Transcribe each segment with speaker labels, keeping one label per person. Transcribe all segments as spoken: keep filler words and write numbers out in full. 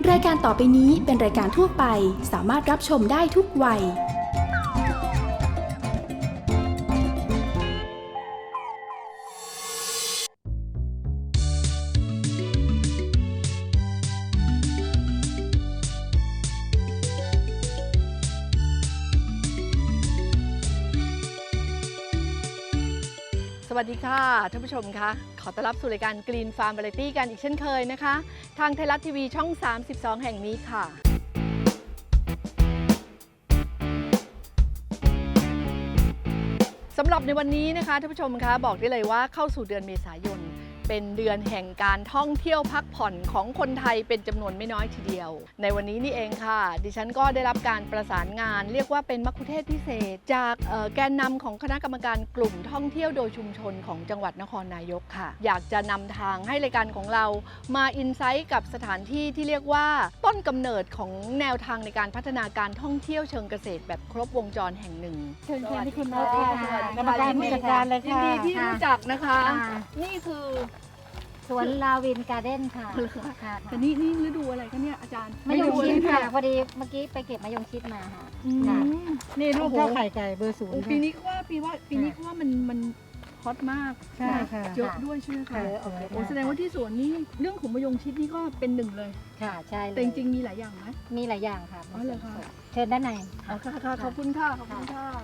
Speaker 1: รายการต่อไปนี้เป็นรายการทั่วไปสามารถรับชมได้ทุกวัย
Speaker 2: สวัสดีค่ะท่านผู้ชมคะขอต้อนรับสู่รายการ Green Farm Variety กันอีกเช่นเคยนะคะทางไทยรัฐทีวีช่องสามสิบสองแห่งนี้ค่ะสำหรับในวันนี้นะคะท่านผู้ชมคะบอกได้เลยว่าเข้าสู่เดือนเมษายนเป็นเดือนแห่งการท่องเที่ยวพักผ่อนของคนไทยเป็นจำนวนไม่น้อยทีเดียวในวันนี้นี่เองค่ะดิฉันก็ได้รับการประสานงานเรียกว่าเป็นมัคคุเทศก์พิเศษจากแกนนำของคณะกรรมการกลุ่มท่องเที่ยวโดยชุมชนของจังหวัดนครนายกค่ะอยากจะนำทางให้รายการของเรามาอินไซต์กับสถานที่ที่เรียกว่าต้นกำเนิดของแนวทางในการพัฒนาการท่องเที่ยวเชิงเกษตรแบบครบวงจรแห่งหนึ่ง
Speaker 3: เชิญค่ะที่คุณนกค่ะกรรมการผู้จัดการเลย
Speaker 2: ยิน
Speaker 3: ค่ะ
Speaker 2: ดีที่รู้จักนะคะนี่คือ
Speaker 3: สวนลาวินการ์เด้นค่ะค่ะ
Speaker 2: แต่นี่นี่ฤดูอะไรคะเนี่ยอาจารย์
Speaker 3: มะยงชิดค่ะพอดีเมื่อกี้ไปเก็บมะยงชิดมาค่ะนี่ลูกเท่าไข่ไก่เบอร์ศูนย์
Speaker 2: ปีนี้ก็ว่าปีว่าปีนี้ก็ว่ามันมันฮอตมาก
Speaker 3: ใช่ค่ะ
Speaker 2: เยอะด้วยใช่ไหมคะ
Speaker 3: โอเค
Speaker 2: โอ้แสดงว่าที่สวนนี้เรื่องของมะยงชิดนี่ก็เป็นหนึ่งเลย
Speaker 3: ค่ะใช่เลย
Speaker 2: แต่จริงๆมีหลายอย่างไหม
Speaker 3: มีหลายอย่างค่ะ
Speaker 2: อ๋อเหรอคะ
Speaker 3: เชิญด้านใน
Speaker 2: อ๋อค่ะค่ะขอบคุณค่ะขอบคุณค่ะ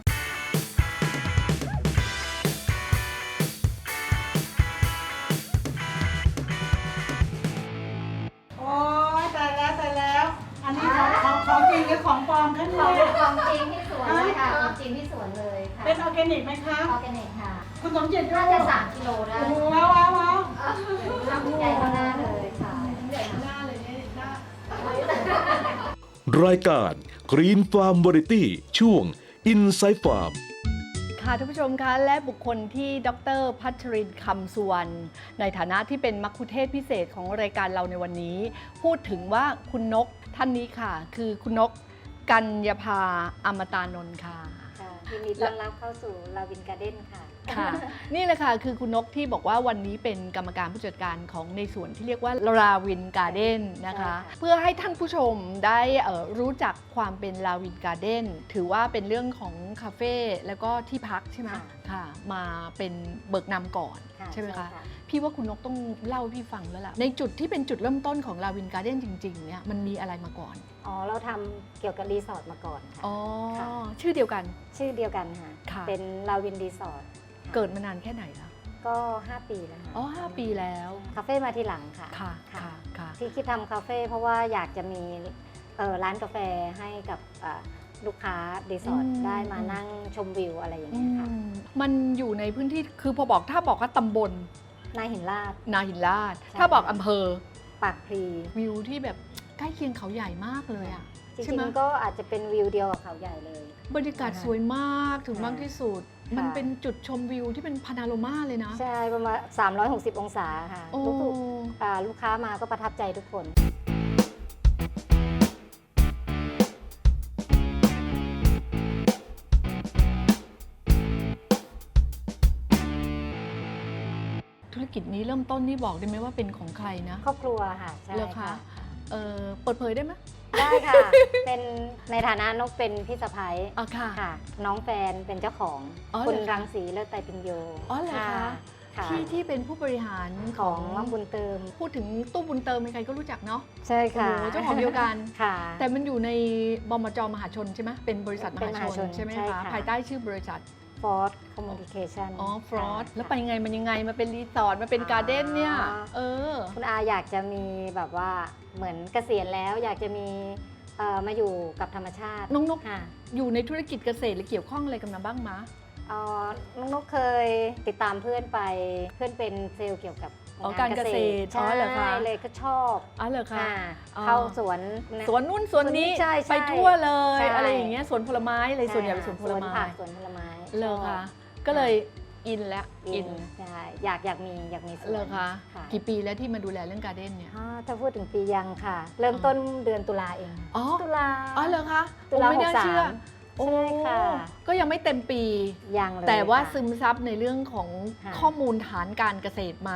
Speaker 4: โอ้ยตายแล้วตายแล้ว อันนี้ของของของจริงหรือของปลอมคะเนี่ย
Speaker 3: ของจริงที่สวนเลยค่ะของจริงที่สวนเลยค่ะ
Speaker 4: เป็นออร์แกนิกไหมคะ
Speaker 3: ออร์แกนิกค่ะ
Speaker 4: คุณสมจิตด้ว
Speaker 3: น่าย จะสามกิโลได้
Speaker 4: โอ้โหว้าวว้าวว้าว
Speaker 3: ใหญ่มากเลยค่ะ
Speaker 2: ใหญ่หน้าเลยเนี่ยหน้า
Speaker 5: รายการ Green Farm Variety ช่วง Inside Farm
Speaker 2: ค่ะท่านผู้ชมคะและบุคคลที่ดรพัชรินทร์คำสุวรรณในฐานะที่เป็นมัคคุเทศก์พิเศษของรายการเราในวันนี้ พูดถึงว่าคุณนกท่านนี้ค่ะ คือคุณนกกัญญาภาอมตานนท์ค่ะ
Speaker 3: ค่ะยินดีต้อนรับเข้าสู่ลาวินการ์เด้นค่ะ
Speaker 2: ค่ะ นี่แหละค่ะคือคุณนกที่บอกว่าวันนี้เป็นกรรมการผู้จัดการของในส่วนที่เรียกว่าลาวินการ์เด้นนะคะ
Speaker 3: ใช่ค่ะ
Speaker 2: เพื่อให้ท่านผู้ชมได้เอ่อรู้จักความเป็นลาวินการ์เด้นถือว่าเป็นเรื่องของคาเฟ่แล้วก็ที่พักใช่ไหมค่ะมาเป็นเบิกนำก่อนใช่ไหมคะพี่ว่าคุณนกต้องเล่าให้พี่ฟังแล้วล่ะในจุดที่เป็นจุดเริ่มต้นของลาวินการ์เด้นจริงๆเนี่ยมันมีอะไรมาก่อน
Speaker 3: อ๋อเราทำเกี่ยวกับรีสอร์ทมาก่อนค่ะ
Speaker 2: อ๋อ
Speaker 3: ค่ะ
Speaker 2: ชื่อเดียวกัน
Speaker 3: ชื่อเดียวกันค่ะ
Speaker 2: ค่ะ
Speaker 3: เป็นลาวินรีสอร์ท
Speaker 2: เกิดมานานแค่ไหนแล้ว
Speaker 3: ก็ห้าปีแล้วค่ะ
Speaker 2: อ๋อห้าปีแล้ว
Speaker 3: คาเฟ่มาทีหลังค่ะ
Speaker 2: ค่ะค่ะค่ะ
Speaker 3: ที่คิดทำคาเฟ่เพราะว่าอยากจะมีเอ่อร้านกาแฟให้กับเอ่อลูกค้ารีสอร์ทได้มานั่งชมวิวอะไรอย่างเงี้ยค่ะ
Speaker 2: อืมมันอยู่ในพื้นที่คือพอบอกถ้าบอกว่าตำบล
Speaker 3: นายหินลาด
Speaker 2: นาหินลาด
Speaker 3: ใช่
Speaker 2: ถ้าบอกอำเภอ
Speaker 3: ปากพลี
Speaker 2: วิวที่แบบใกล้เคียงเขาใหญ่มากเลยอ่ะ
Speaker 3: จ
Speaker 2: ใช่
Speaker 3: ริ
Speaker 2: ไหม
Speaker 3: งๆก็อาจจะเป็นวิวเดียวกับเขาใหญ่เลย
Speaker 2: บรรยากาศสวยมากถึงมากที่สุด
Speaker 3: ค่ะ
Speaker 2: มันเป็นจุดชมวิวที่เป็นพานาโรมาเลยนะ
Speaker 3: ใช่ประมาณสามร้อยหกสิบองศาค่ะ
Speaker 2: โอ้
Speaker 3: ลูกๆอ่าลูกค้ามาก็ประทับใจทุกคน
Speaker 2: ธุรกิจนี้เริ่มต้นนี่บอกได้ไหมว่าเป็นของใครนะ
Speaker 3: ครอบครัวค่ะใช่
Speaker 2: เหรอคะ เออเปิดเผยได้ไหม
Speaker 3: ได้ค่ะ เป็นในฐานะนกเป็นพี่สะพ้าย
Speaker 2: อ๋อค่ะ
Speaker 3: ค่ะ น้องแฟนเป็นเจ้าของ
Speaker 2: อ๋อเหรอ
Speaker 3: คุณ
Speaker 2: คะ
Speaker 3: รังสีเลิศไตรปิญโย
Speaker 2: อ๋อเหรอคะ
Speaker 3: ค่ะ
Speaker 2: ที่ที่เป็นผู้บริหาร
Speaker 3: ข
Speaker 2: ข
Speaker 3: อ
Speaker 2: อง ง
Speaker 3: น้องบุญเติม
Speaker 2: พูดถึงตู้บุญเติมใครๆก็รู้จักเนาะ
Speaker 3: ใช่ค่ะ
Speaker 2: โอ้โหเจ้าของเดียวกัน
Speaker 3: ค่ะ
Speaker 2: แต่มันอยู่ในบมจมหาชนใช่ไหมเป็นบริษัทม
Speaker 3: เป็นม
Speaker 2: หา
Speaker 3: หา
Speaker 2: ช
Speaker 3: ช
Speaker 2: น
Speaker 3: น
Speaker 2: ใช่ไหม
Speaker 3: ใช่
Speaker 2: คะ
Speaker 3: ค่ะ
Speaker 2: ภายใต้ชื่อบริษัท
Speaker 3: ฟอร์ดคอมมูนิเคชัน
Speaker 2: อ๋อฟรอสแล้วไปยังไงมันยังไงมาเป็นรีสอร์ทมาเป็นการ์เด้นเนี่ยเออ
Speaker 3: คุณอาอยากจะมีแบบว่าเหมือนเกษียณแล้วอยากจะมีเอ่อมาอยู่กับธรรมชาติ
Speaker 2: น้องนก
Speaker 3: ค่ะ
Speaker 2: อยู่ในธุรกิจเกษตรหรือเกี่ยวข้องอะไรกันมาบ้างมะ
Speaker 3: เอ่อน้องนกเคยติดตามเพื่อนไปเพื่อนเป็นเซลล์เกี่ยวกับ
Speaker 2: อ๋อการเกษตรอ๋
Speaker 3: ใช่
Speaker 2: อเหรอคะ
Speaker 3: เลยก็ชอบ
Speaker 2: อ๋อเหรอคะ
Speaker 3: ค่ะ
Speaker 2: อ๋อ
Speaker 3: เข้าสวน
Speaker 2: สวนนู่นสวนนี้
Speaker 3: ใช่ใช่
Speaker 2: ไปทั่วเลย
Speaker 3: ใช่
Speaker 2: อะไรอย่างเงี้ยสวนผลไม้อะไรส่วนใหญ่เป็นสวนผลไม้
Speaker 3: ผักสวนผลไม้
Speaker 2: เล
Speaker 3: ช
Speaker 2: ย
Speaker 3: อบ
Speaker 2: คะก็เลยอินแล้ว
Speaker 3: อิ
Speaker 2: อิ
Speaker 3: น
Speaker 2: น
Speaker 3: ใช่อยากอยากมีอยากมีสวน
Speaker 2: เลยคะ
Speaker 3: ค่ะ
Speaker 2: กี่ปีแล้วที่มาดูแลเรื่องการ์เด้นเนี่ย
Speaker 3: อ่าถ้าพูดถึงปียังค่ะ เริ่มต้นเดือนตุลาเอง
Speaker 2: อ๋อ
Speaker 3: ตุลา
Speaker 2: อ๋อเหรอคะ
Speaker 3: ตุลา
Speaker 2: โอ้ไม่น่าเชื่อ
Speaker 3: หกสาม
Speaker 2: โอ้
Speaker 3: ใช่ค่ะ
Speaker 2: ก็ยังไม่เต็มปี
Speaker 3: ยังเลย
Speaker 2: แต่ว่า
Speaker 3: ค่ะ
Speaker 2: ซึมซับในเรื่องของ
Speaker 3: ค่ะ
Speaker 2: ข้อมูลฐานการเกษตรมา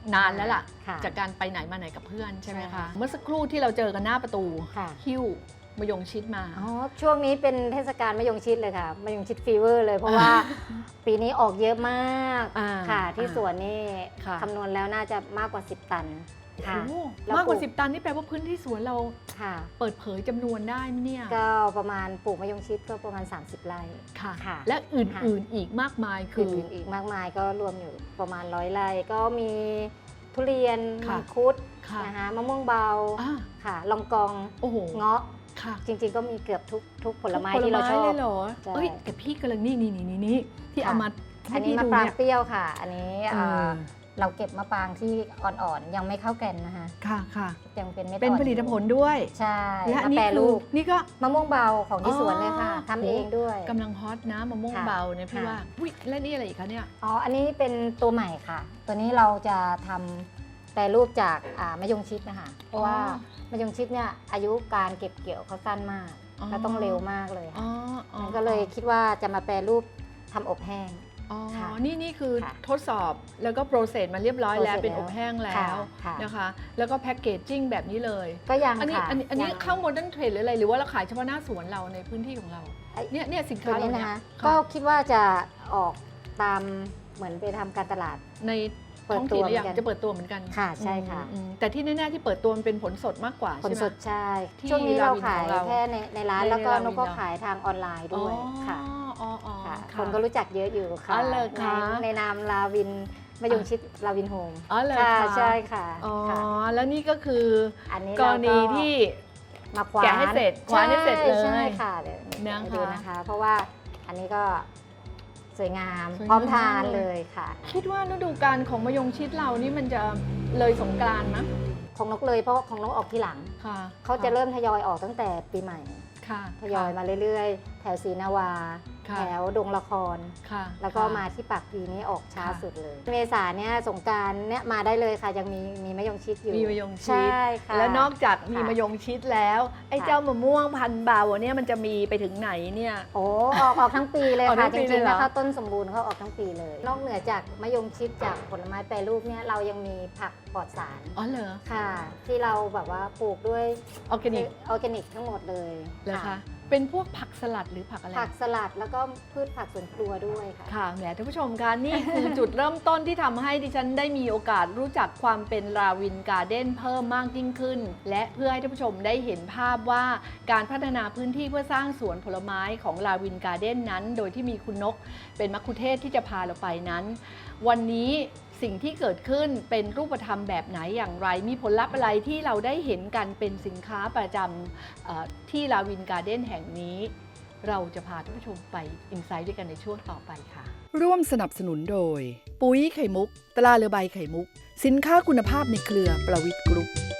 Speaker 2: นานแล้วล่ะ
Speaker 3: ค่ะ
Speaker 2: จากการไปไหนมาไหนกับเพื่อนใช่ไหม
Speaker 3: ใช่
Speaker 2: คะ
Speaker 3: ค่ะ
Speaker 2: เมื่อสักครู่ที่เราเจอกันหน้าประตู
Speaker 3: ค่ะ
Speaker 2: หิ้วมะยงชิดมา
Speaker 3: อ๋อช่วงนี้เป็นเทศกาลมะยงชิดเลยค่ะมะยงชิดฟีเวอร์เลยเพราะว่า ปีนี้ออกเยอะมาก
Speaker 2: อ่า
Speaker 3: ค่ะ ที่
Speaker 2: อ่า
Speaker 3: สวนนี่
Speaker 2: ค่ะ
Speaker 3: คำนวณแล้วน่าจะมากกว่า สิบ ตันค่ะ
Speaker 2: โอ้
Speaker 3: แล้ว
Speaker 2: มากกว่า
Speaker 3: ปลูก
Speaker 2: สิบตันนี่แปลว่าพื้นที่สวนเรา
Speaker 3: ค่ะ
Speaker 2: เปิดเผยจำนวนได้ไหมเนี่ย
Speaker 3: ก็ประมาณปลูกมะยงชิดก็ประมาณ สามสิบ ไร่
Speaker 2: ค่ะ
Speaker 3: ค่ะ
Speaker 2: และอื่นๆอีกมากมายคือ
Speaker 3: อื่นๆอีกมากมายก็รวมอยู่ประมาณร้อยไร่ก็มีทุเรียน
Speaker 2: ค่ะ
Speaker 3: มังคุด
Speaker 2: ค่ะ
Speaker 3: นะคะมะม่วงเบา
Speaker 2: อ่า
Speaker 3: ค่ะลองกอง
Speaker 2: โอ้โห
Speaker 3: เงาะ
Speaker 2: ค่ะ
Speaker 3: จริงๆ ก็มีเกือบทุกทุกผลไม้
Speaker 2: ทุก
Speaker 3: ที่เราชอบ
Speaker 2: เลยเหรอ
Speaker 3: ใช่
Speaker 2: เอ้ยแต่พี่กำลังนี่นี่นี่นี่ที่
Speaker 3: ค่ะ
Speaker 2: เอามา
Speaker 3: อั
Speaker 2: ให้
Speaker 3: นนี้
Speaker 2: พี่
Speaker 3: มะ
Speaker 2: ดู
Speaker 3: ปราง
Speaker 2: เนี่ย
Speaker 3: เปรี้ยวค่ะ อันนี้
Speaker 2: เอ
Speaker 3: เอ่
Speaker 2: อ
Speaker 3: อเราเก็บมะปรางที่อ่อนๆ ยังไม่เข้าแก่นนะคะ
Speaker 2: ค่ะค่ะ
Speaker 3: ยังเป็นเม็ด
Speaker 2: เป็น
Speaker 3: อ่อ
Speaker 2: ผลิตผลด้วย
Speaker 3: ใช่
Speaker 2: และ
Speaker 3: มา
Speaker 2: นี่
Speaker 3: แปร
Speaker 2: คื
Speaker 3: รู
Speaker 2: อ
Speaker 3: ป
Speaker 2: นี่ก็
Speaker 3: มะม่วงเบาของที่
Speaker 2: อ๋อ
Speaker 3: สวนเลยค่ะทำเองด้วย
Speaker 2: กำลังฮอตนะมะม่วง
Speaker 3: ค่ะ
Speaker 2: เบาเนี่ยพี่
Speaker 3: ค่ะ
Speaker 2: ว่าอุ้ยและนี่อะไรอีกคะเนี่ย
Speaker 3: อ๋อ อันนี้เป็นตัวใหม่ค่ะ ตัวนี้เราจะทำแปรรูปจากอ่ามะยงชิดนะคะ เพราะว่ามะยงชิดเนี่ยอายุการเก็บเกี่ยวเขาสั้นมาก
Speaker 2: อ๋อ
Speaker 3: แล้วต้องเร็วมากเลย
Speaker 2: อ๋
Speaker 3: ค่ะ
Speaker 2: ออ๋อ
Speaker 3: มันก็เลยคิดว่าจะมาแปรรูปทำอบแห้ง
Speaker 2: อ๋อ
Speaker 3: ค่ะ
Speaker 2: นี่นี่คือ
Speaker 3: ค่ะ
Speaker 2: ทดสอบแล้วก็โปรเซสมาเรียบร้อยแล้ว
Speaker 3: process
Speaker 2: เป็นอบแห้งแล้
Speaker 3: ค่ะ
Speaker 2: ว
Speaker 3: ค่ะ
Speaker 2: นะคะ แล้วก็แพ็กเกจจิ้งแบบนี้เลย
Speaker 3: ก็ยัง
Speaker 2: อันนี้
Speaker 3: ค่ะ
Speaker 2: อันนี้อันนี้
Speaker 3: ยัง
Speaker 2: เข้าโมเดิร์นเทรดหรืออะไรหรือว่าเราขายเฉพาะหน้าสวนเราในพื้นที่ของเรา
Speaker 3: ไอ้
Speaker 2: เนี่ยเนี่ยสิน
Speaker 3: ตั
Speaker 2: ค้าว เรา
Speaker 3: นี้
Speaker 2: เนี่ย
Speaker 3: นะคะ
Speaker 2: ค่ะ
Speaker 3: ก็คิดว่าจะออกตามเหมือนไปทำการตลาด
Speaker 2: ใน
Speaker 3: เปิด
Speaker 2: ท้อง
Speaker 3: ตั
Speaker 2: ถิ่น
Speaker 3: ว
Speaker 2: หรือยัง
Speaker 3: เหมือนกัน
Speaker 2: จะเปิดตัวเหมือนกัน
Speaker 3: ค่ะใช่ค่ะ
Speaker 2: อืมอืมแต่ที่แน่ๆที่เปิดตัวมันเป็นผลสดมากกว่า
Speaker 3: ผล
Speaker 2: ใช่ไหม
Speaker 3: สดใช่
Speaker 2: ที่
Speaker 3: ช่วงนี้เรา
Speaker 2: ราวิน
Speaker 3: ขาย
Speaker 2: ของเรา
Speaker 3: แค่ในในร้าน
Speaker 2: ใน
Speaker 3: แล้วก็
Speaker 2: ราวิน
Speaker 3: นกก็
Speaker 2: เรา
Speaker 3: ขายทางออนไลน์ด้วยค่ะ
Speaker 2: อ๋ออ๋อ
Speaker 3: ค่ะ
Speaker 2: ค่ะ
Speaker 3: คนก็รู้จักเยอะอยู่ค่ะ
Speaker 2: อ๋อเหรอคะ
Speaker 3: ในในนามลาวินมะยงชิดลาวินโฮม
Speaker 2: อ๋อเหรอ
Speaker 3: ค่ะ
Speaker 2: คะ
Speaker 3: ใช่ค่ะ
Speaker 2: อ๋อ
Speaker 3: ค่ะ
Speaker 2: แล้วนี่ก็คือ
Speaker 3: อันนี้
Speaker 2: ก
Speaker 3: เรา
Speaker 2: รณีที่
Speaker 3: มาคว้าน
Speaker 2: แกะให้เสร็จคว้านให้เสร็จเลย
Speaker 3: ใช่ค่ะเดี๋ยว
Speaker 2: นะคะ
Speaker 3: เดี๋ยวดูนะคะ เพราะว่าอันนี้ก็สวยงาม
Speaker 2: สวยงาม
Speaker 3: พร้อมทานเลยค่ะ
Speaker 2: คิดว่าฤดูกาลของมะยงชิดเรานี่มันจะเลยสงกรานต์มั้ย
Speaker 3: ของนกเลยเพราะว่าของนกออกทีหลัง
Speaker 2: ค่ะ
Speaker 3: เขาจะเริ่มทยอยออกตั้งแต่ปีใหม่
Speaker 2: ค่ะ
Speaker 3: ทยอยมาเรื่อยๆ แถวศรีนาวา
Speaker 2: ค่ะ
Speaker 3: แถวดงละคร
Speaker 2: ค่ะ
Speaker 3: แล้วก็
Speaker 2: ค่ะ
Speaker 3: มาที่ปากพลีนี้ออกช้า
Speaker 2: ค่ะ
Speaker 3: สุดเลย เมษาเนี่ยสงกรารเนี่ยมาได้เลยค่ะ ยังมีมีมะยงชิดอยู่
Speaker 2: มีมะยงชิด
Speaker 3: ใช่ค่ะ
Speaker 2: แล้วนอกจากมี
Speaker 3: ค่ะ
Speaker 2: มะยงชิดแล้ว ไอ้
Speaker 3: ค่ะ
Speaker 2: เจ้ามะม่วงพันธุ์เบาเนี่ยมันจะมีไปถึงไหนเนี่ย
Speaker 3: โอ้ออกออกทั้งปีเลย
Speaker 2: ออกทั้
Speaker 3: ค่ะ
Speaker 2: ง
Speaker 3: จ
Speaker 2: ปีเล
Speaker 3: ริ
Speaker 2: ย
Speaker 3: ง
Speaker 2: เห
Speaker 3: ๆ
Speaker 2: รอ
Speaker 3: นะคะต้นสมบูรณ์เขาออกทั้งปีเลย นอกเหนือจากมะยงชิดจากผลไม้แปรรูปเนี่ยเรายังมีผักปลอดสาร
Speaker 2: อ๋อเหรอ
Speaker 3: ค่ะ ที่เราแบบว่าปลูกด้วย
Speaker 2: ออร์แกนิก
Speaker 3: ออร์แกนิกทั้งหมดเลย
Speaker 2: เหรอคะเป็นพวกผักสลัดหรือผักอะไร
Speaker 3: ผักสลัดแล้วก็พืชผักสวนครัวด้วยค่ะ
Speaker 2: ค่ะแหมท่านผู้ชมคะนี่คือ จุดเริ่มต้นที่ทำให้ดิฉันได้มีโอกาสรู้จักความเป็นราวินการ์เด้นเพิ่มมากยิ่งขึ้น และเพื่อให้ท่านผู้ชมได้เห็นภาพว่าการพัฒนาพื้นที่เพื่อสร้างสวนผลไม้ของราวินการ์เด้นนั้น โดยที่มีคุณนกเป็นมัคคุเทศก์ที่จะพาเราไปนั้น วันนี้สิ่งที่เกิดขึ้นเป็นรูปธรรมแบบไหนอย่างไร มีผลลัพธ์อะไรที่เราได้เห็นกันเป็นสินค้าประจำเอ่อที่ราวินการ์เด้นแห่งนี้ เราจะพาท่านผู้ชมไปอินไซต์ด้วยกันในช่วงต่อไปค่ะ ร่วมสนับสนุนโดย ปุ๋ยไข่มุก ตราเรือใบไข่มุก สินค้าคุณภาพในเครือประวิทย์กรุ๊ป